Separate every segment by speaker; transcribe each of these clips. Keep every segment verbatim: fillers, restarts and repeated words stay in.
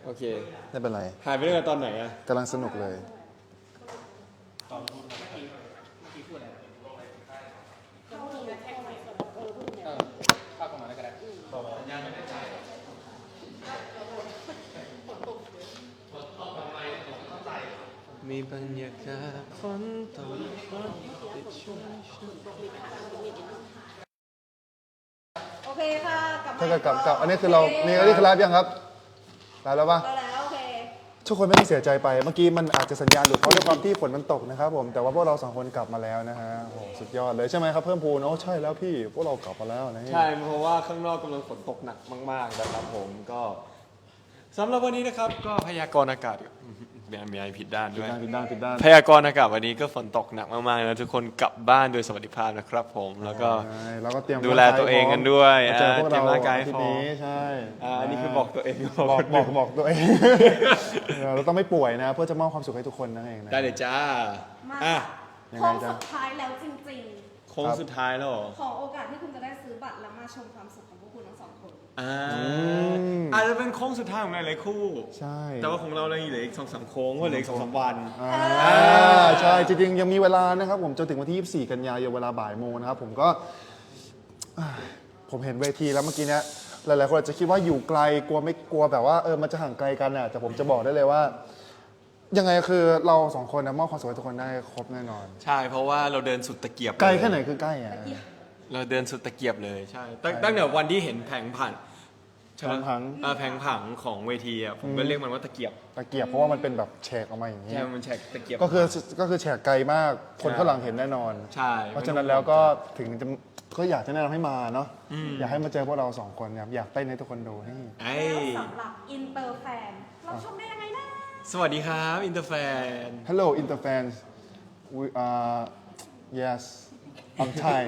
Speaker 1: โอเค
Speaker 2: ไม่เป็นไร
Speaker 1: หายไปเรื่องตอนไหนอะ
Speaker 2: กำลังสนุกเลย
Speaker 3: ตอนพูดเมื่อกี้เมื่อกี้พูดอะไรเออเข้าประมาณนั้นก็ได้สัญญาณไม่ได้ใจ
Speaker 1: มีบรรยากาศฝนตกฝนติดชุ่มชื้น
Speaker 4: โอเคค่ะกลับมา
Speaker 2: ถ้าเกิดกลับกลับอันนี้คือเรานี่อันนี้คือไลฟ์ยังครับไลฟ์แล้วปะ
Speaker 4: ก็แล้วโอเค
Speaker 2: ทุกคนไม่ต้องเสียใจไปเมื่อกี้มันอาจจะสัญญาณหลุดเพราะด้วยความที่ฝนมันตกนะครับผมแต่ว่าพวกเราสองคนกลับมาแล้วนะฮะโอ้โหสุดยอดเลยใช่ไหมครับเพิ่มพูนโอ้ใช่แล้วพี่พวกเรากลับมาแล้วนะ
Speaker 1: ใช่เพราะว่าข้างนอกกำลังฝนตกหนักมากๆนะครับผมก็สำหรับวันนี้นะครับก็พยากรณ์อากาศมีมีอะไรผิดด้านด้วย
Speaker 2: ผิดด้านผิดด้าน
Speaker 1: พยากรณ์อากาศวันนี้ก็ฝนตกหนักมากๆแล้วทุกคนกลับบ้านโดยสวัสดิภาพนะครับผมแล้วก็
Speaker 2: ใช่แล้วก็เตรียม
Speaker 1: ดูแลตัวเองกันด้วย
Speaker 2: มาเจอพวก
Speaker 1: เตรีย
Speaker 2: เรา
Speaker 1: มร่างกายให้
Speaker 2: ที่
Speaker 1: พร้อม
Speaker 2: นี้ใช่
Speaker 1: อ่าอันนี้คือบอกตัวเอง
Speaker 2: บอกบอกบอกตัวเอง เราต้องไม่ป่วยนะเพื่อจะมอบความสุขให้ทุกคนนั่นเองนะ
Speaker 1: ได้เลยจ้า
Speaker 4: มา
Speaker 1: อ่ะ
Speaker 2: ยัง
Speaker 4: โค้
Speaker 2: ไง
Speaker 4: ง
Speaker 2: จ๊ะ
Speaker 4: สุดท้ายแล้วจริง
Speaker 1: โค้งสุดท้ายแล้วเหรอ
Speaker 4: ๆ ขอโอกาสที่คุณจะได้ซื้อบัตรแล้วมาชมความสุขของพวกคุณทั้งสองคน
Speaker 1: อ่า
Speaker 2: ม
Speaker 1: อาจจะเป็นโค้งสุดท้ายของหลายๆคู่
Speaker 2: ใช่
Speaker 1: แต่ว่าของเราเลยเหลืออีกสองสามโค้งก็เหลืออีกสองสามวัน
Speaker 2: อ่าใช่จริงๆยังมีเวลานะครับผมจนถึงวันที่ยี่สิบสี่กันยายนเวลาบ่ายโมงนะครับผมก็อ่าผมเห็นเวทีแล้วเมื่อกี้เนี้ยหลายๆคนอาจจะคิดว่าอยู่ไกลกลัวไม่กลัวแบบว่าเออมันจะห่างไกลกันอ่ะแต่ผมจะบอกได้เลยว่า ยังไงคือเราสองคนนะมอบความสุขให้ทุกคนได้ครบแน่นอน
Speaker 1: ใช่เพราะว่าเราเดินสุดตะเกียบ
Speaker 2: ไกล
Speaker 1: เย
Speaker 2: แค่ไหนคือใกล้อ่ะ
Speaker 1: เราเดินสุดตะเกียบเลยใช่ตั้งตั้งแต่วันที่เห็นแผงผังใช่ไหม
Speaker 2: แผงผัง
Speaker 1: เออแผงผังของเวทีอ่ะผมก็เรียกมันว่าตะเกียบ
Speaker 2: ตะเกียบเพราะว่ามันเป็นแบบแฉกออกมาอย่างนี้
Speaker 1: ใช่มันแฉกตะเกียบ
Speaker 2: ก็คือก็คือแฉกไกลมากคนข้างหลังเห็นแน่นอน
Speaker 1: ใช่
Speaker 2: เพราะฉะนั้นแล้วก็ถึงจะก็อยากจะแนะนำให้มาเนาะอยากให้มาเจอพวกเราสองคนครับอยากเต้นให้ทุกคนดูนี่
Speaker 1: ไอ้
Speaker 4: แล้วสำหรับอินเตอร์แฟนเราชมได้ยังไงนะ
Speaker 1: สวัสดีครับอินเตอร์แฟน
Speaker 2: Hello Interfans we uh yes I'm Thai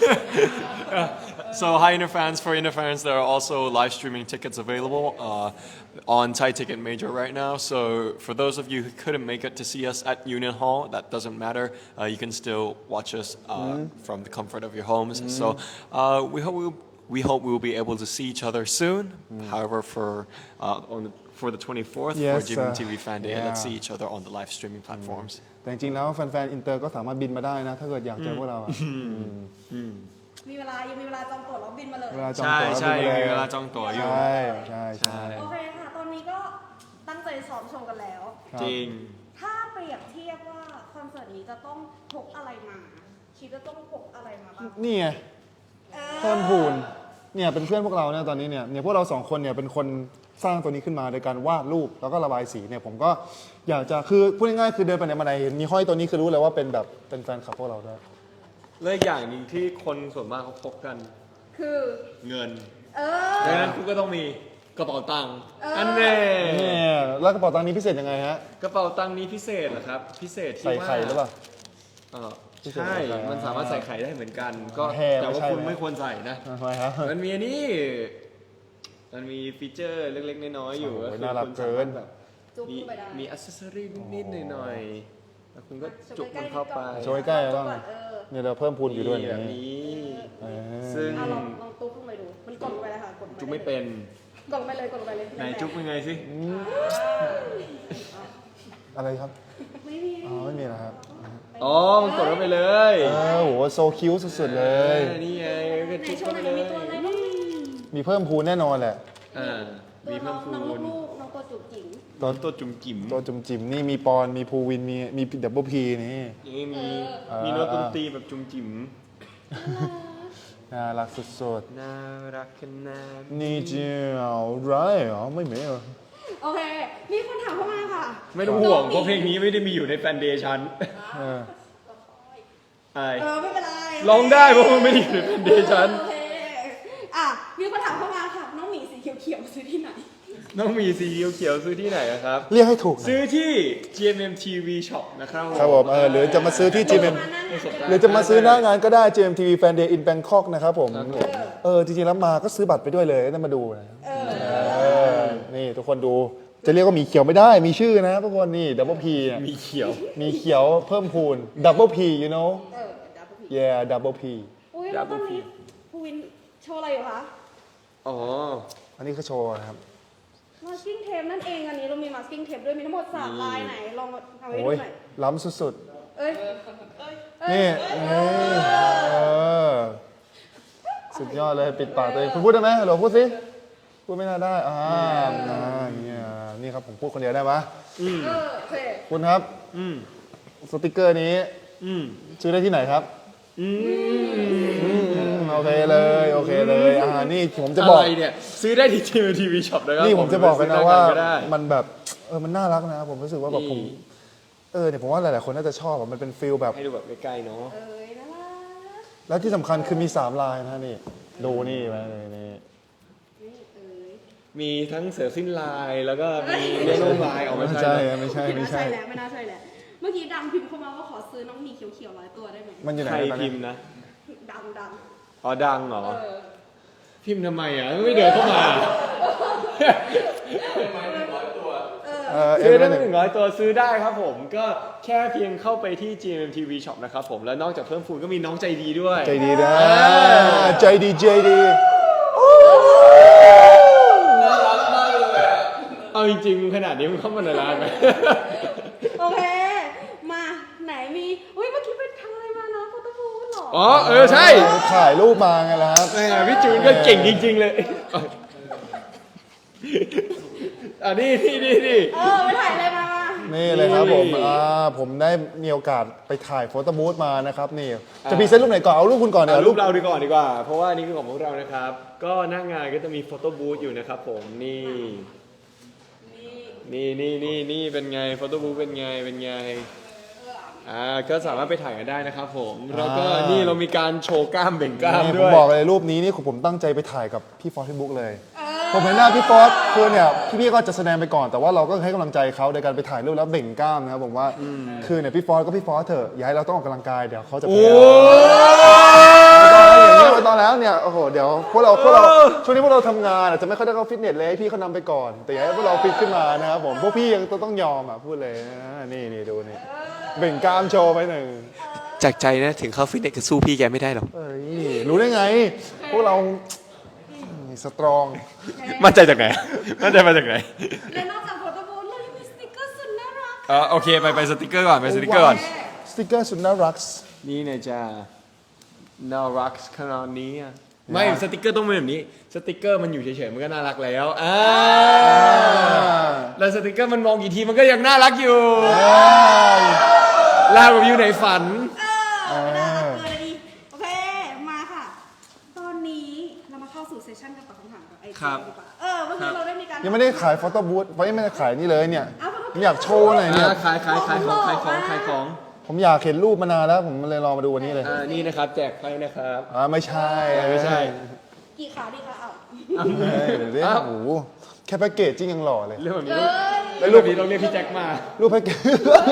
Speaker 1: So hi Interfans. For Interfans, there are also live streaming tickets available uh, on Thai Ticket Major right now. So for those of you who couldn't make it to see us at Union Hall, that doesn't matter. Uh, you can still watch us uh, mm. from the comfort of your homes. Mm. So uh, we hope we'll, we hope we will be able to see each other soon. Mm. However, for uh, on the, for the twenty-fourth
Speaker 2: Yes,
Speaker 1: for G M M T V
Speaker 2: uh,
Speaker 1: Fan Day,
Speaker 2: yeah.
Speaker 1: let's see each other on the live streaming platforms.
Speaker 2: แต่จริงๆแล้วแฟนๆอินเตอร์ก็สามารถบินมาได้นะ ถ้าเกิดอยากเจอพวกเราอะ
Speaker 4: มีเวลายังมีเวลาจองตั๋วแล้วบินมาเลย
Speaker 2: เวลาจอง
Speaker 1: ใช่
Speaker 2: ตั๋ว
Speaker 1: ใช่
Speaker 2: บิน
Speaker 1: มี
Speaker 2: มา
Speaker 1: เว
Speaker 2: ล
Speaker 1: ลาย จองตั๋วอยู่
Speaker 2: ใช่ใช่ใช่
Speaker 4: โอเคค่ะ ตอนนี้ก็ตั้งใจซ้อมโชว์กันแล้ว
Speaker 2: ครับ
Speaker 1: จริง
Speaker 4: ถ้าเปรียบเทียบว่าคอนเสิร์ตนี้จะต้องพกอะไรมา คิดว่าต้องพกอะไรมาบ้าง
Speaker 2: นี่ไง
Speaker 4: เออ
Speaker 2: เพิ่มพูนเนี่ยเป็นเพื่อนพวกเราเนี่ยตอนนี้เนี่ยเนี่ยพวกเราสองคนเนี่ยเป็นคนสร้างตัวนี้ขึ้นมาโดยการวาดรูปแล้วก็ระบายสีเนี่ยผมก็อยากจะคือพูดง่ายๆคือเดินไปไหนมาไหนเห็นมีห้อยตัวนี้คือรู้เลยว่าเป็นแบบเป็นแฟนคลับพวกเราด้วย
Speaker 1: และอีกอย่างหนึงที่คนส่วนมากเขาพกกัน
Speaker 4: คือ
Speaker 1: เงิน
Speaker 4: เออ
Speaker 1: ดังนั้นคุณก็ต้องมีกระเป๋าตังค์
Speaker 4: เอออั
Speaker 1: อันแน่
Speaker 2: เนี่ยแล้วกระเป๋าตังค์นี้พิเศษยังไงฮะ
Speaker 1: กระเป๋าตังค์นี้พิเศษเหรอครับ พิเศษที่
Speaker 2: ใส่
Speaker 1: ว่า
Speaker 2: ไข่หรือเปล่า
Speaker 1: เออ
Speaker 2: พิเศษ
Speaker 1: ใช่
Speaker 2: ใส่ไข่
Speaker 1: มันสามารถใส่ไข่ได้เหมือนกัน ก็
Speaker 2: แฮ่
Speaker 1: แต่ว่า
Speaker 2: ไม่ใช่
Speaker 1: คุณ
Speaker 2: นะ
Speaker 1: ไม่ควรใส่นะ
Speaker 2: ทำไมครับ
Speaker 1: มันมีอันนี้ มันมีฟีเจอร์เล็กๆน้อยๆอยู่
Speaker 2: โอ้โห
Speaker 1: ก็คือ
Speaker 2: น่ารัก
Speaker 1: คุณสามารถ
Speaker 2: เกิน
Speaker 1: แบบ
Speaker 4: จุ๊บ
Speaker 1: มี
Speaker 4: เข้าไปได้
Speaker 1: มีอัซเซอรี่นิดๆหน่อยๆแล้วคุณก็จุกมันเข้าไป
Speaker 2: โชว์ใกล้ๆบ้าง
Speaker 4: เออ
Speaker 2: เนี่ยเราเพิ่มพูนอยู่ด้วย
Speaker 1: นี่
Speaker 2: เนี่
Speaker 1: แบบ
Speaker 2: ย
Speaker 1: นี้
Speaker 2: เออ
Speaker 1: ซึ่ง
Speaker 4: อ่ะลองลองตุ๊บลงไปดู มันกดลงไปเลยค่ะ กดลงป
Speaker 1: จุกไม่เป็น
Speaker 4: กดลงไปเลยกดลงไปเลย
Speaker 1: ไหนจุกเป็นไงสิ
Speaker 2: อะไรครับ
Speaker 4: ไม่มี
Speaker 2: อ๋อไม่มีนะครับ
Speaker 1: อ๋อ มันกดเข้าไปเลย
Speaker 2: เออโหโซคิวสุดๆเลย
Speaker 1: ออนี่ไงก็
Speaker 4: ไหน
Speaker 1: จุก
Speaker 4: โช
Speaker 1: เข้า
Speaker 4: ว์ห
Speaker 1: ไป
Speaker 4: น่อย
Speaker 1: เล
Speaker 4: มี
Speaker 1: ย
Speaker 4: ตัวอะไรบ้าง
Speaker 2: มีเพิ่มพูนแน่นอนแหละ
Speaker 1: อ่ามีเพิ่มพู
Speaker 4: น้อง
Speaker 1: น
Speaker 4: ลูกๆน้องตัวจุ๋มจิ๋ม
Speaker 2: ตัว
Speaker 1: ตัวจุ่มจิ๋ม
Speaker 2: ตัวจุ่มจิ๋มนี่มีปอนมีภูวินมีมีดับเบิลพีนี่
Speaker 1: นี่มี
Speaker 2: เออ
Speaker 1: มีโน้ตดนตรีแบบจุ่มจิ๋ม
Speaker 2: น่ารักสุด
Speaker 1: น่ารักขนาด
Speaker 2: ๆนี่เจียวไรเหรอไม่เหม็นเหรอ
Speaker 4: โอเค มีคนถามเข้ามาค่ะ
Speaker 1: ไม่ต้องห่วงเพราะเพลงนี้ไม่ได้มีอยู่ในแฟนเดย์ชัน
Speaker 2: เออ
Speaker 1: ไอ
Speaker 4: เออไม่เป็นไร
Speaker 1: ร้องได้เพราะมันไม่ได้อยู่ในแฟนเดย์ชัน
Speaker 4: โอเคอ่ะมีคนถามเข้ามาค่ะ น้องหมีสีเขียวๆซื้อที่ไหน
Speaker 1: น้องมีสีเขียวๆซื้อที่ไหนอะครับ
Speaker 2: เรียกให้ถูกหน่อย
Speaker 1: ซื้อที่ จี เอ็ม เอ็ม ที วี Shop นะครับ
Speaker 2: ครับผมเออหรือจะมาซื้อที่ จี เอ็ม เอ็ม หรือจะมาซื้อหน้างานก็ได้ จี เอ็ม ที วี Fan Day in Bangkok นะครับผมเออจริงๆแล้วมาก็ซื้อบัตรไปด้วยเลยแล้วมาดูนะเออนี่ทุกคนดูจะเรียกว่าหมีเขียวไม่ได้มีชื่อนะทุกคนนี่ดับเบิลพี
Speaker 1: มีเขียว
Speaker 2: มีเขียวเพิ่มพูนดับเบิลพี you know
Speaker 4: เออดับเบิลพี
Speaker 2: yeah double P
Speaker 4: อุ้ยแล้วตอนนี้ภูวินโชว์อะไรอยู่คะ
Speaker 1: อ๋อ
Speaker 2: อันนี้คือโชว์นะครับ
Speaker 4: นมาสกิ้งเทปนั่นเองอันนี้เรามีมาสกิ้งเทปด้วยมีทั้งหมดสามลายไหนลองเอาไว้ดู
Speaker 2: โอ้ย
Speaker 4: หน่อย
Speaker 2: ล้ำสุด
Speaker 4: เอ้ย
Speaker 2: ๆ นี่เอ้ยเออสุดยอดเลยปิดปากตัวเองคุณพูดได้ไหมฮัลโหลพูดสิพูดไม่น่าได้อ่าอ่าอย่างเงี้ยนี่ครับผมพูดคนเดียวได้ไหม
Speaker 4: เออโอเค
Speaker 2: คุณครับ
Speaker 1: อืม
Speaker 2: สติกเกอร์นี้
Speaker 1: อืม
Speaker 2: ซื้อได้ที่ไหนครับ
Speaker 1: อืม
Speaker 2: อืมโอเคเลยโอเคเลยอ่านี่ผมจะบอก
Speaker 1: อะไรเนี่ยซื้อได้ที่ทีวีทีวีช็อปนะครับ
Speaker 2: นี่ผมจะบอกกันนะว่า
Speaker 1: ซื้อได้
Speaker 2: มันแบบเออมันน่ารักนะผมรู้สึกว่าแบบผม
Speaker 1: นี่
Speaker 2: เออเนี่ยผมว่าหลายๆคนน่าจะชอบอะมันเป็นฟิลแบบ
Speaker 1: ให้ดูแบบใกล้ๆเนาะ
Speaker 4: เอ้ยน่ารัก
Speaker 2: แล้วที่สำคัญคือมีสามลายนะนี่ดูนี่ไว้เลยนี่
Speaker 4: นี่เอ้ย
Speaker 1: มีทั้งเสือสิ้นลายแล้วก็มีเล่นลงลายออกมา
Speaker 2: ไม่
Speaker 1: ใช่
Speaker 2: ใช่
Speaker 1: ไหม
Speaker 2: ไม่ใช่
Speaker 4: ไม่
Speaker 2: ไม่
Speaker 4: น่าใช่
Speaker 2: ใช่
Speaker 4: แล้วไม่น่าใช่แล้วเมื่อกี้ดังพิมพ์เข้ามาว่าขอซื้อน้องหมีเขียวๆร้อยตัวได้ไหม
Speaker 2: มันอยู่ไหน
Speaker 1: ใคร
Speaker 2: ตอน
Speaker 1: พิ
Speaker 2: นี้
Speaker 1: มพ์นะ
Speaker 4: ดังดัง
Speaker 1: อ๋อดังเหรอ
Speaker 4: เออ
Speaker 1: พิมพ์ทำไมอ่ะไม่เดินเข้ามา
Speaker 2: เออเอ็
Speaker 1: ซื้อ
Speaker 2: ม
Speaker 1: ได้
Speaker 2: หนึ่ง
Speaker 1: หนึ่งร้อยตัวซื้อได้ครับผมก็แค่เพียงเข้าไปที่ จี เอ็ม ที วี Shop นะครับผมแล้วนอกจากเพิ่มฟูนก็มีน้องใจดีด้วย
Speaker 2: ใจดีนะใจดีใจดี
Speaker 1: เอาจริงๆขนาดนี้มันเข้ามาในร้านไหม
Speaker 4: โอเค มาไหนมีอุ้ยเมื่อกี้ไปทำอะไรมานะโฟโต้บูธเหรอ
Speaker 1: อ๋อเออใช่
Speaker 2: ถ่ายรูปมาไงล่ะครับ
Speaker 1: แหมพี่จูนก็เก่งจริง ๆ เลยอ่ะนี่นี่นี่นี่
Speaker 4: เออไปถ่ายอะไรมามา
Speaker 2: นี่เลยครับผมอ่าผมได้มีโอกาสไปถ่ายโฟโต้บูธมานะครับนี่จะพรีเซนต์รูปไหนก่อนเอารูปคุณก่อนเดี๋ย
Speaker 1: เอา
Speaker 2: ว
Speaker 1: รู
Speaker 2: รู
Speaker 1: ป
Speaker 2: ป
Speaker 1: เราดีก่อนดีกว่า เพราะว่านี่คือของพวกเรานะครับ ก็หน้างานก็จะมีโฟโต้บูธอยู่นะครับผมนี่ นี่นี่นี่นี่เป็นไงโฟโต้บูธเป็นไงเป็นไงอ่าก็สามารถไปถ่ายกันได้นะครับผมแล้วก็นี่เรามีการโชว์กล้ามเบ่งกล้าม
Speaker 2: นี่ผ
Speaker 1: ด้
Speaker 2: ม
Speaker 1: วย
Speaker 2: บอกเลยรูปนี้นี่ผมตั้งใจไปถ่ายกับพี่ฟอสที่บุ๊กเลย ผมเห็นหน้าพี่ฟอสคือเนี่ยพี่ๆก็จะแสดงไปก่อนแต่ว่าเราก็ให้กำลังใจเขาในการไปถ่ายรูปแล้วเบ่งกล้ามนะครับผมว่าคือเนี่ยพี่ฟอสก็พี่ฟอสเถอะอย่าให้เราต้องออกกำลังกายเดี๋ยวเขาจะแพ้ไม่ต้องแล้วเนี่ยโอ้โหเดี๋ยวพวกเราพวกเราช่วงนี้พวกเราทำงานอาจจะไม่ค่อยได้เข้าฟิตเนสเลยให้พี่เขานำไปก่อน แต่อย่าให้พวกเราฟิตขึ้นมานะครับผมพวกพี่ยังต้องยอมอ่ะพูดเลยนะนี่นี่ดูนี่เบ่งกล้ามโชว์ไปหนึ่ง
Speaker 5: จากใจนะถึงเข้าฟิตเนสก็สู้พี่แกไม่ได้หรอก
Speaker 2: เอ้ยรู้ได้ไง พวกเราสตรอง
Speaker 1: มั่นใจจากไหนมั่นใจมาจากไหน
Speaker 4: และนอกจากโฟโต้บูธเรายังมีสติกเกอร์สุดน่ารัก
Speaker 1: อ่าโอเคไปไปสติกเกอร์ก่อนไปสติกเกอร์ก่อน
Speaker 2: สติกเกอร์สุดน่ารัก
Speaker 1: นี่เนี่ยจ้าน่ารักขนาดนี้อ่ะไม่สติกเกอร์ต้องเป็นแบบนี้สติกเกอร์มันอยู่เฉยๆมันก็น่ารักแล้วอ่าแล้วสติกเกอร์มันมองกี่ทีมันก็ยังน่ารักอยู่ลาแบบอยู่ในฝัน
Speaker 4: เออน่ารักเกินเลยดิโอเคมาค่ะ ตอนนี้เรามาเข้าสู่เซสชั่นการตอบคำถามกับไอ
Speaker 1: ครับ
Speaker 4: ดีกว่าเออเมื่อกี้เราได้มีการ
Speaker 2: ยังไม่ได้ขายโฟโต้บูธไม่ได้ขายนี่เลยเนี่ยผมอยากโชว์หน่อยเนี่ย
Speaker 1: อ่าขายขายขายของขายของขายของ
Speaker 2: ผมอยากเห็นรูปมานานแล้วผมเลยรอมาดูวันนี้เลย
Speaker 1: อ่านี่นะครับแจกไพ่นะครับ
Speaker 2: อ่าไม่ใช่
Speaker 1: ไม่ใช่
Speaker 4: กี่ขาดีคะเอา
Speaker 2: เฮ้ยเดี๋ยวดิ
Speaker 1: อ้าว
Speaker 2: โอ้โหแค่แพ็กเกจจิ้งยังหล่อเลย
Speaker 1: เรื่องแบบนี้
Speaker 4: เอ้
Speaker 1: ต้อง
Speaker 4: ย
Speaker 1: เรื่องแบบนี้ต้องเรียกพี่แจ็คมา
Speaker 2: รูปแพ็กเกจ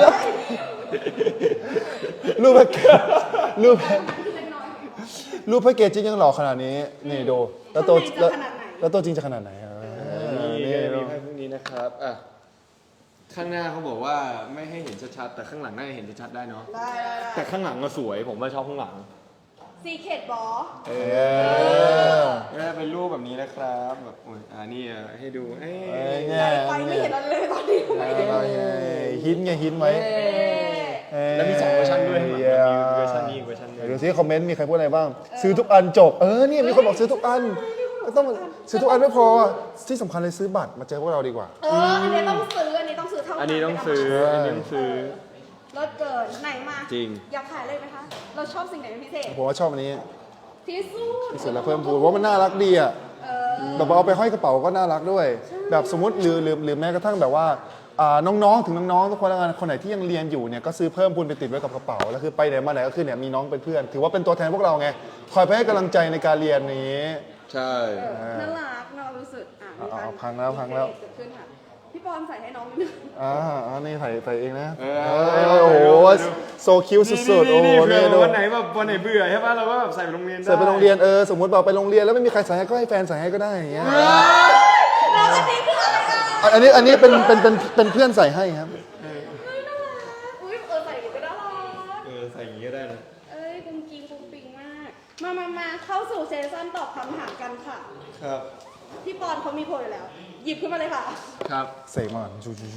Speaker 2: รูปแพ็กเกจรูปแพ็กรูปแพ็กเกจจิ้งยังหล่อขนาดนี้นี่ดูแล้วตัวแล้วแล้วตัวจริงจะขนาดไหนอ่ะ
Speaker 1: นี่
Speaker 2: นี่
Speaker 1: มี
Speaker 2: ดู
Speaker 1: ไพ่พวกนี้นะครับอ่ะข้างหน้าเขาบอกว่าไม่ให้เห็นชัดๆแต่ข้างหลังน่าจะเห็นชัดๆได้เนาะ
Speaker 4: ได้ได้ได้
Speaker 1: แต่ข้างหลังก็สวยผมว่าชอบข้างหลัง
Speaker 4: ซีเคดบอ
Speaker 1: เอ
Speaker 2: เอ
Speaker 1: อ
Speaker 2: อ
Speaker 1: ก็เป็นรูปแบบนี้นะครับแบบโอ้ยอ่านี่อ่ะให้ดูเอ้ย
Speaker 2: เอ้ย
Speaker 4: ไ
Speaker 2: เนี่ย
Speaker 4: ปไม่เห็นอะไรเลยตอนนี้
Speaker 2: อะไรไงฮิตไงฮิตไว้
Speaker 4: เอ๊ะ
Speaker 1: แล้วมีสองเวอร์ชันด้วยข้างหลัง
Speaker 2: เย้
Speaker 1: มีเวอร์ชันนี้อีกเวอร์ชันหนึ
Speaker 2: เดี๋ยว
Speaker 1: ง
Speaker 2: ดูซิคอมเมนต์มีใครพูดอะไรบ้าง ซื้อทุกอันจบ เออเนี่ยมีคนบอกซื้อทุกอันไม่ต้องซื้อทุกอันไม่พอที่สำคัญเลยซื้อบัตรมาเจอพวกเราดีกว่า
Speaker 4: เอออันนี้ต้องซื้ออันนี้ต้องซื้อเท่านั้น
Speaker 1: อันนี้ต้องซื้ออันนี้ต้องซื้อ
Speaker 4: รถเกินไหนมา
Speaker 1: จริง
Speaker 4: อยากขายเลยไหมคะ เราชอบสิ่งไหนเป็นพิเศษ
Speaker 2: ผมว่าชอบอันนี้
Speaker 4: ที่สุด
Speaker 2: ที่สุดแล้วเพิ่มพูนเพราะมันน่ารักดีอ่ะ
Speaker 4: เออ
Speaker 2: แบบว่าเอาไปห้อยกระเป๋าก็น่ารักด้วย แบบสมมติหรือหรือหรือแม้กระทั่งแบบว่าอ่าน้องๆถึงน้องๆทุกคนแล้วกันคนไหนที่ยังเรียนอยู่เนี่ยก็ซื้อเพิ่มพูนไปติดไว้กับกระเป๋าแล้วคือไปไหนมาไหนก็คือเนี่ยมีน้องเป็นเพื่อน ถือว่าเป็นตัวแทนพวกเราไงคอยไปให้กำลังใจในการเรียนนี้
Speaker 1: ใช่
Speaker 4: เออน่ารักน่ารู้สึกอ่ะมี
Speaker 2: เอา
Speaker 4: การ
Speaker 2: เอาพังแล้วพังแล้ว
Speaker 4: เกิดขึ้นค่ะพี่ปอนใส่ให้น้องนิดนึง
Speaker 2: อ่าอ่านี่ใส่ใส่เองนะ
Speaker 1: เอ
Speaker 2: เอ
Speaker 1: อ
Speaker 2: อโอ้โหโซคิวสุดๆโอ้โห
Speaker 1: นี่เผื่
Speaker 2: นี่
Speaker 1: อ
Speaker 2: ดู
Speaker 1: วันไหนแบบวันไหนเบื่อใช่ป่ะเราก็แบบใส่ไปโรงเรียนได้
Speaker 2: ใส่ไปโรงเรียนเออสมมติบอกไปโรงเรียนแล้วไม่มีใครใส่ให้ก็ให้แฟนใส่ให้ก็ได้อย่างเงี้ย
Speaker 4: แล้วอันนี้คืออะไรอ่ะ
Speaker 2: อันนี้อันนี้เป็นเป็นเป็นเป็นเพื่อนใส่ให้ครับ
Speaker 4: เฮ้ยน่ารักอุ้ยเออใส่อย่างนี้ก็น่ารัก
Speaker 1: เออใส่อย่างนี้ก็ได้นะ
Speaker 4: เอ้ยกุ้งกิ้งกุ้งปิงมาก มามามาเข้าสู่เซสชั่นตอบคำถามกันค่ะ
Speaker 1: ครับ
Speaker 4: พี่ปอนเขามีโพลอยู่แล้วหยิบขึ้นมาเลยค่ะ
Speaker 1: ครับ
Speaker 2: เสกมา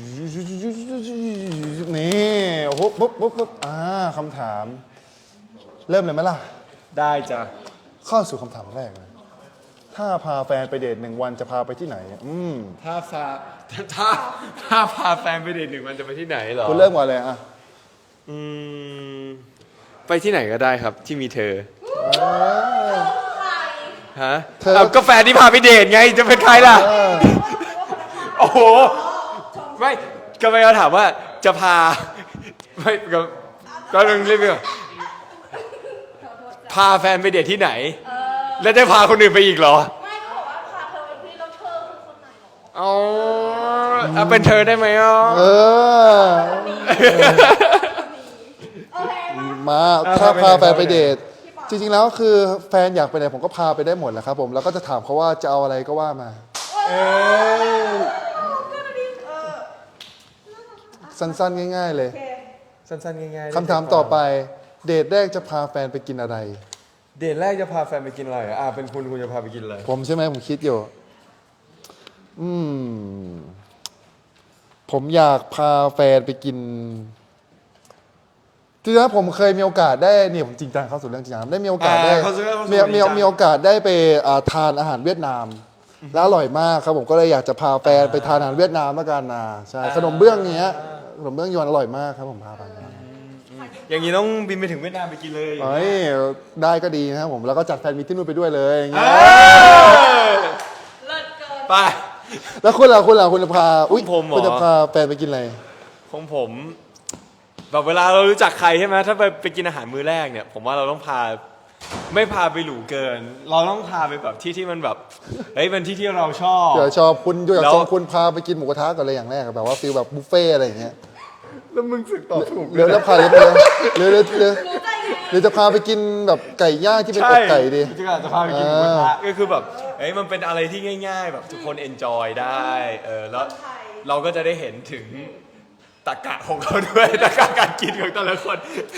Speaker 2: นี่ปุ๊บปุ๊บปุ๊บปุ๊บอ่าคำถาม เริ่มเลยไหมล่ะ
Speaker 1: ได้จ้ะ
Speaker 2: เข้าสู่คำถามแรกเลยถ้าพาแฟนไปเดทหนึ่งวันจะพาไปที่ไหน อืม
Speaker 1: ถ้าพาถ้าถ้าพาแฟนไปเดทหนึ่งวันจะไปที่ไหนเหรอ
Speaker 2: คุณเริ่มก่อนเลยอ่ะ
Speaker 5: อืม ไปที่ไหนก็ได้ครับที่มีเธอ ฮะ
Speaker 2: เธอ
Speaker 5: เอาก็แฟนที่พาไปเดทไงจะเป็นใครล่ะ โอ้โห ไม่ก็ไม่เขาถามว่าจะพา ไม่ก็ก็ต้องเรียกว่าพาแฟนไปเดทที่ไหน แล้วได้พาคนอื่นไปอีกเหรอ
Speaker 4: ไม่ก็บอกว่าพาเธอไปที่แล้วเธอคือคนไหนหรอ
Speaker 5: อ๋อเอาเป็นเธอได้ไหมอ่ะ
Speaker 2: เออ
Speaker 4: โอเคมา
Speaker 2: มาถ้าพาแฟนไปเดท จริงๆแล้วคือแฟนอยากไปไหนผมก็พาไปได้หมดแหละครับผมแล้วก็จะถามเขาว่าจะเอาอะไรก็ว่ามา สั้นๆง่าย ๆ เลย
Speaker 5: สั้นๆง่ายๆ
Speaker 2: คำถามต่อไป เดทแรกจะพาแฟนไปกินอะไร
Speaker 5: เดทแรกจะพาแฟนไปกินอะไรอ่ะอ่ะเป็นคุณคุณจะพาไปกินอะไร
Speaker 2: ผมใช่ไหมผมคิดอยู่ อืม ผมอยากพาแฟนไปกินจริงๆแล้วผมเคยมีโอกาสได้เนี่ยผมจริงจังเข้าสู่เรื่องจริงจังได้มีโอกาสได้
Speaker 5: อ่าเข้าสู่เรื่องเข้าสู่
Speaker 2: มี
Speaker 5: เรื่อง
Speaker 2: มี
Speaker 5: จริงจัง
Speaker 2: มีโอกาสได้ไปอ่าทานอาหารเวียดนาม แล้วอร่อยมากครับผมก็เลยอยากจะพาแฟนไปทานอาหารเวียดนามแล้วกันนะใช่ขนมเบื้องเนี้ยขนมเบื้องยวนอร่อยมากครับผมพาไป
Speaker 5: อย่างนี้ต้องบินไปถึงเวียดนามไปกินเลย
Speaker 2: เฮ้ยได้ก็ดีนะครับผมแล้วก็จัดแฟนมีตที่นู่นไปด้วยเลยอย่างเงี้ย
Speaker 4: เลิศเกิน
Speaker 5: ไป
Speaker 2: แล้วคุณล่ะคุณล่ะคุณจะพาอุ้ย
Speaker 5: ผมเหรอ
Speaker 2: คุณจะพาแฟนไปกินอะไร
Speaker 5: ของผมแบบเวลาเรารู้จักใครใช่ไหมถ้าไปไปกินอาหารมื้อแรกเนี่ย ผมว่าเราต้องพาไม่พาไปหรูเกิน เราต้องพาไปแบบที่ที่มันแบบเฮ้ยเป็นที่ที่เราชอบ
Speaker 2: เดี๋ยวชอบคุณอยาก
Speaker 5: แล้ว
Speaker 2: ชวนคุณพาไปกินหมูกระทะก่อนเลยอย่างแรกอะแบบว่าฟิลแบบบุฟเฟ่ต์อะไรอย่างเงี้ย
Speaker 5: แล้วมึงสึกตอบถูก
Speaker 2: หรือจะพาหรือหรือหรือหรือหรือจะพาไปกินแบบไก่ย่างที่เป็นอกไก่ดี
Speaker 5: จะจะพาไปกินหมูกระทะก็คือแบบเฮ้ยมันเป็นอะไรที่ง่าย ๆ แบบทุกคนเอนจอยได้เออแล้วเราก็จะได้เห็นถึงตรรกะของเขาด้วยตรรกะการกินของแต่ละคน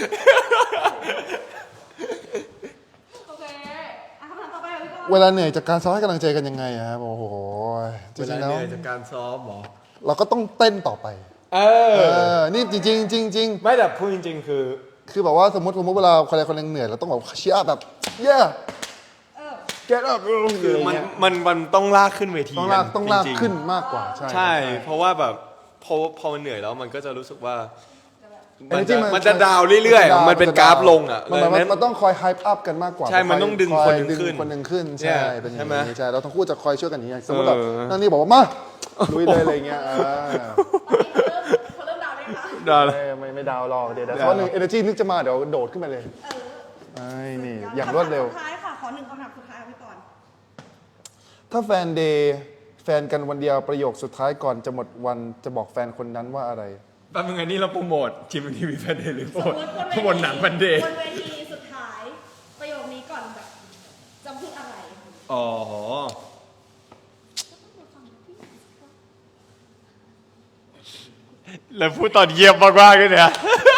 Speaker 4: โอเคอ่ะคำถามต่อไปค่ะพี่บอล
Speaker 2: เวลาเหนื่อยจากการซ้อมให้กำลังใจกันยังไงอะครับโอ้โหจ
Speaker 5: เวลา
Speaker 2: ริงๆแล้ว
Speaker 5: เหนื่อยจากการซ้อมหรอ
Speaker 2: เราก็ต้องเต้นต่อไป
Speaker 5: เอ
Speaker 2: เอ
Speaker 5: อ
Speaker 2: อนี่จริงๆจริงๆจริง
Speaker 5: ไม่แต่พูดจริงๆ คือ
Speaker 2: ๆคือแบบว่าสมมติสมมติเวลาใครคนหนึงเหนื่อยเราต้องแบบเชียร์แบบ yeah get up
Speaker 5: คือมันมันมันต้องลากขึ้นเวที
Speaker 2: ต้องลากต้องลาก
Speaker 5: จริๆ
Speaker 2: ขึ้นมากกว่าใช่
Speaker 5: ใช่ เพราะว่าแบบพอพอมันเหนื่อยแล้วมันก็จะรู้สึกว่า
Speaker 2: เอ
Speaker 5: มัน
Speaker 2: จริ
Speaker 5: จะ
Speaker 2: ง
Speaker 5: มันจะดาวเรื่อยๆ มันเป็นกราฟลงอ่ะ
Speaker 2: มัน
Speaker 5: ดั
Speaker 2: มัน
Speaker 5: งนั้น
Speaker 2: มันต้องคอยไฮป์อัพกันมากกว่า
Speaker 5: ใช่มันต้องดึง
Speaker 2: อย
Speaker 5: คนหนึ่ง
Speaker 2: ดึ
Speaker 5: ขึ้น
Speaker 2: คนหนึ่งขึ้น
Speaker 5: เนี่
Speaker 2: ใช่
Speaker 5: ย
Speaker 2: เป็นอย่าง
Speaker 5: ใช่ไหม
Speaker 2: นี้ใช่เราทั้งคู่จะคอยช่วยกันอย่างนี้สมมติแบบ
Speaker 5: เออ
Speaker 2: นั่นนี่บอกว่ามาลุยเลยอะไรเงี้ยอ่า
Speaker 4: เขาเริ่มดาวได้คะ
Speaker 5: ดาวเลย
Speaker 2: ไม่ไม่ไม่ดาวหรอกเดี๋ยวเดี๋ยวเพราะหนึ่งเอเนจีนึกจะมาเดี๋ยวโดดขึ้นไปเลยไอ้นี่อย่างรวดเร็ว
Speaker 4: คำถามสุดท้ายค่ะ ขอหนึ่งคำถามสุดท้ายค่ะพี่กรณ์
Speaker 2: ถ้าแฟนเดย์แฟนกันวันเดียวประโยคสุดท้ายก่อนจะหมดวันจะบอกแฟนคนนั้นว่าอะไร
Speaker 5: แป๊บนึงอันนี้เราโปรโมททีมทีวีแฟนเดย์หรือโปร
Speaker 4: ส
Speaker 5: โม
Speaker 4: ม
Speaker 5: ท
Speaker 4: มติ
Speaker 5: โปรโมทหนังแฟนเดย์
Speaker 4: บนเวทีสุดท้าย ประโยคนี้ก่อนแบบจะพูดอะไร
Speaker 5: อ๋อ แล้วพูดตอนเยี่ยมมากๆเลยเนี่ย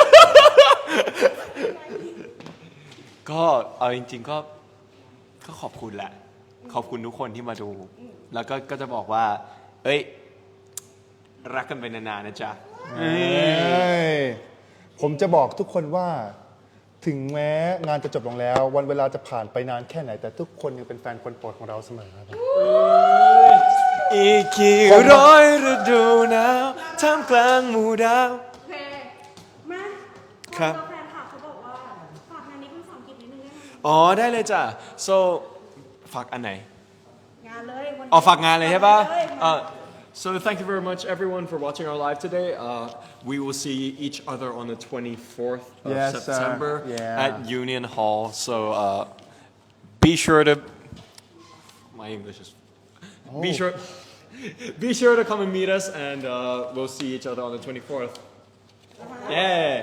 Speaker 5: ก็เอาจริง ๆ ก็ก็ขอบคุณแหละ ขอบคุณทุกคนที่มาดู แล้วก็ก็จะบอกว่า เอ้ย รักกันไปนานๆนะจ๊ะ
Speaker 2: เอ้ยผมจะบอกทุกคนว่า ถึงแม้งานจะจบลงแล้ว วันเวลาจะผ่านไปนานแค่ไหน แต่ทุกคนยังเป็นแฟนคนโปรดของเราเสมอครับ
Speaker 5: อีกกี่ร้อยฤดูหนาวท่ามกลางหมู่ดาว
Speaker 4: โอเค มา
Speaker 5: ครับ
Speaker 4: แฟนค่ะเขาบอกว่า ฝากงานนี้เป็นภาษาอังกฤษนิดนึงได้ไหม
Speaker 5: อ๋อ ได้เลยจ้ะ so ฝากอันไหน
Speaker 4: งานเลยวันนี้
Speaker 5: อ๋อฝากงานเลยใช่ปะ
Speaker 4: ฝากงานเลยมา
Speaker 1: Uh, so thank you very much, everyone, for watching our live today. Uh, we will see each other on the twenty-fourth of
Speaker 2: Yes, sir.
Speaker 1: September
Speaker 2: Yeah.
Speaker 1: at Union Hall. So uh, be sure to. My English is. Be sure. Be sure to come and meet us, and uh, we'll see each other on the twenty-fourth. Yeah.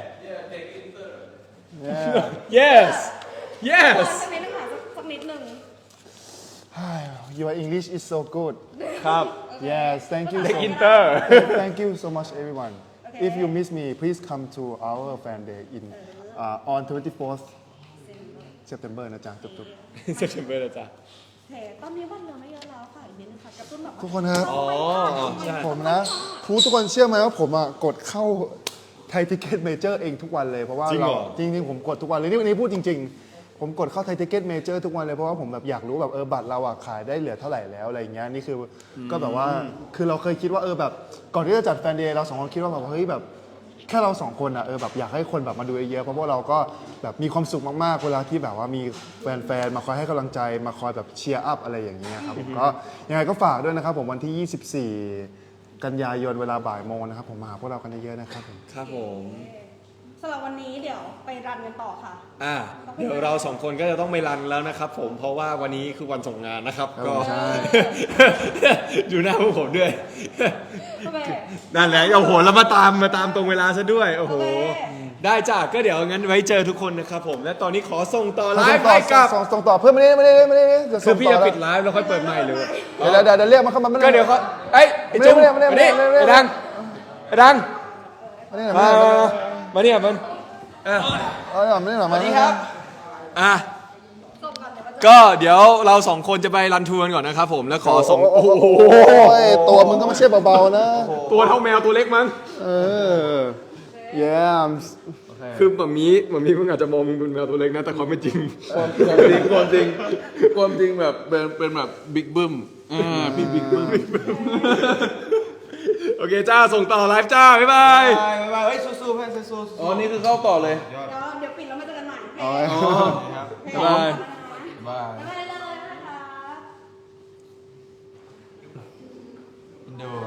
Speaker 2: Yeah.
Speaker 1: Yes.
Speaker 4: สัก
Speaker 1: Yes.
Speaker 4: นิดนึงค่ะสักสักนิดนึง
Speaker 2: Your English is so good
Speaker 1: ครับ
Speaker 2: Yes thank you so
Speaker 1: Inter.
Speaker 2: Thank you so much everyone If you miss me please come to our fan day in uh, on twenty-fourth September นะจ๊ะจุ๊บๆ
Speaker 1: September นะจ๊ะ
Speaker 4: เคตอนนี้วันเหลือไม่เยอะแล้วค่ะอีกนิดนึงค่ะกระตุ้นแบบว่า
Speaker 2: ทุกคนครับ
Speaker 5: อ๋อใช่
Speaker 2: ผมนะผู้ทุกคนเชื่อไหมว่าผมอ่ะกดเข้าไทยทิเก็ตเมเจอร์เองทุกวันเลยเพราะว่า
Speaker 5: จริงเหร
Speaker 2: เรา
Speaker 5: อ
Speaker 2: จริงๆผมกดทุกวันเลยนี่วันนี้พูดจริง ๆ ผมกดเข้าไทยทิเก็ตเมเจอร์ทุกวันเลยเพราะว่าผมแบบอยากรู้แบบเออบัตรเราอ่ะขายได้เหลือเท่าไหร่แล้วอะไรอย่างเงี้ยนี่คืออก็แบบว่าคือเราเคยคิดว่าเออแบบก่อนที่จะจัดแฟนเดย์เราสองคนคิดว่าแบบเฮ้ยแบบแค่เราสองคนอ่ะเออแบบอยากให้คนแบบมาดูเยอะๆเพราะว่าเราก็แบบมีความสุขมากๆเวลาที่แบบว่ามีแฟนๆมาคอยให้กำลังใจมาคอยแบบเชียร์อัพอะไรอย่างเงี้ยครับผมก็ยังไงก็ฝากด้วยนะครับผมวันที่ ยี่สิบสี่ กันยายนเวลาบ่ายโมงนะครับผมมาหาพวกเรากันเยอะๆนะครับผม
Speaker 5: ครับผม
Speaker 4: สำหรับวันนี้เดี๋ยวไปรันกันต่อค่ะ
Speaker 5: อ่าเดี๋ยวเราสองคนก็จะต้องไปรันแล้วนะครับผมเพราะว่าวันนี้คือวันส่งงานนะครับก็
Speaker 2: ใช่
Speaker 5: ดูหน้าพวกผมด้วย
Speaker 4: โอเค
Speaker 5: นั่นแหละโอ้โหแล้วมาตามมาตามตรงเวลาซะด้วยโอ้โห
Speaker 4: โอเค
Speaker 5: ได้จ้ะก็เดี๋ยวงั้นไว้เจอทุกคนนะครับผมและตอนนี้ขอส่งต่อไล
Speaker 2: ส่ง
Speaker 5: ฟ์
Speaker 2: ต่อ
Speaker 5: ให้กับ
Speaker 2: ส่งส่งต่อเพื่อนไม่ได้ไม่ได้ไม่ได้เดี๋ยว
Speaker 5: คื
Speaker 2: ส่
Speaker 5: อง พี่
Speaker 2: ต่อ
Speaker 5: จะ
Speaker 2: แล้ว
Speaker 5: ปิดไลฟ์แล้วค่อยเปิดใหม่เลย
Speaker 2: เดี๋ยวเดี๋ยวเดี๋ยวเรียกมาเข้ามาไม่ได้
Speaker 5: ก็เดี๋ยวเขาเอ้ยไอ้จุ๊บ
Speaker 2: ไม่ได้ไม่ได้ไม่ได้
Speaker 5: มานี่
Speaker 2: ไม่ได้
Speaker 5: ไอ้ดังไอ้ดัง
Speaker 2: ไม่ได้หรอ
Speaker 5: มา
Speaker 2: ไม่ได้หรอ
Speaker 5: มาเนี่ยมันเออ
Speaker 2: ไม่ได้หรอไม่ได้หรอมานี่ครับ
Speaker 5: อ่ะ
Speaker 4: ส่งก่อนเดี๋ยวมาเจอ
Speaker 5: ก็เดี๋ยวเราสองคนจะไปรันทัวร์กันก่อนนะครับผมแล้วขอส่ง
Speaker 2: โอ้โหตัวมึงก็ไม่ใช่เบาๆนะ
Speaker 5: ตัวเท่าแมวตัวเล็กมั้ง
Speaker 2: เออ yeah
Speaker 5: คือแบบนี้แบบนี้มึงอาจจะมองมึงเป็นแมวตัวเล็กนะแต่ความเป็นจริง
Speaker 6: ความความจริงความจริงความจริงแบบเป็นเป็นแบบบิ๊กบึ้มอ่าพี่บิ๊กบึ้ม
Speaker 5: โอเคจ้าส่งต่อไลฟ์จ้า บ๊ายบาย
Speaker 3: บายบายเฮ้ยสู้ๆเพื่อนสู้ๆ
Speaker 6: อ๋อ นี่คือเข้าต่อเลย
Speaker 4: เดี๋ยวเดี๋ยวปิดแล้วมาเจอกันใหม่
Speaker 2: อ๋อ
Speaker 4: โอเค
Speaker 5: บ๊ายบาย
Speaker 3: บาย
Speaker 4: บ๊ายบายเลยนะคะ
Speaker 3: ดู